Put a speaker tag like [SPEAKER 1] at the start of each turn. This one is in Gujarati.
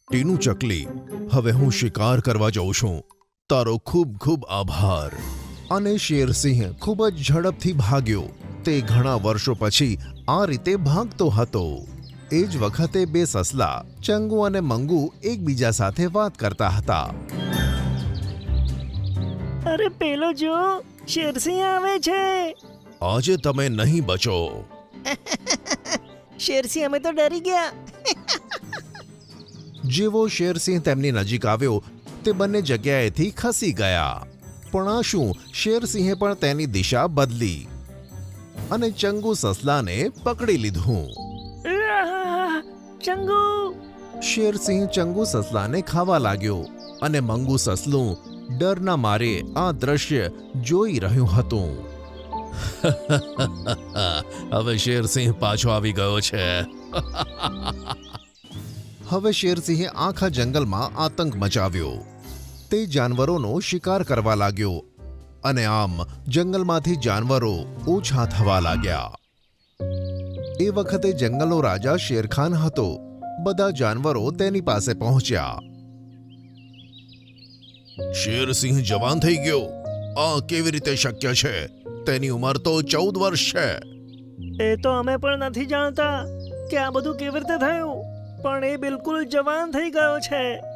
[SPEAKER 1] ટીનુ ચકલી, હવે હું શિકાર કરવા જાઉં છું. તારો ખૂબ ખૂબ આભાર. અને શેરસિંહ ખૂબ જ ઝડપથી ભાગ્યો. તે ઘણા વર્ષો પછી આ રીતે ભાગતો હતો. એ જ વખતે બે સસલા ચંગુ અને મંગુ એકબીજા સાથે વાત કરતા હતા.
[SPEAKER 2] અરે પેલો જો, શેરસિંહ આવે છે.
[SPEAKER 1] આજે તમે નહીં બચો.
[SPEAKER 2] શેરસિંહ, અમે તો ડરી ગયા.
[SPEAKER 1] જેવો શેરસિંહ તેમની નજીક આવ્યો તે બંને જગ્યાએથી ખસી ગયા. પણ આ શું, શેરસિંહે પણ તેની દિશા બદલી અને ચંગુ સસલાને પકડી લીધું.
[SPEAKER 2] ચંગુ!
[SPEAKER 1] શેરસિંહ ચંગુ સસલાને ખાવા લાગ્યો અને મંગુ સસલું ડરના મારે આ દ્રશ્ય જોઈ રહ્યું હતું. હવે શેરસિંહ પાછો આવી ગયો છે. હવે શેરસિંહે આખા જંગલમાં આતંક મચાવ્યો. તે જાનવરોનો શિકાર કરવા લાગ્યો અને આમ જંગલમાંથી જાનવરો ઓછા થવા લાગ્યા. એ વખતે જંગલનો રાજા શેરખાન હતો. બધા જાનવરો તેની પાસે પહોંચ્યા. શેરસિંહ જવાન થઈ ગયો. આ કેવી રીતે શક્ય છે? તેની ઉંમર તો 14 વર્ષ છે.
[SPEAKER 2] એ તો અમે પણ નથી જાણતા કે આ બધું કેવી રીતે થયું, પણ એ બિલકુલ જવાન થઈ ગયો છે.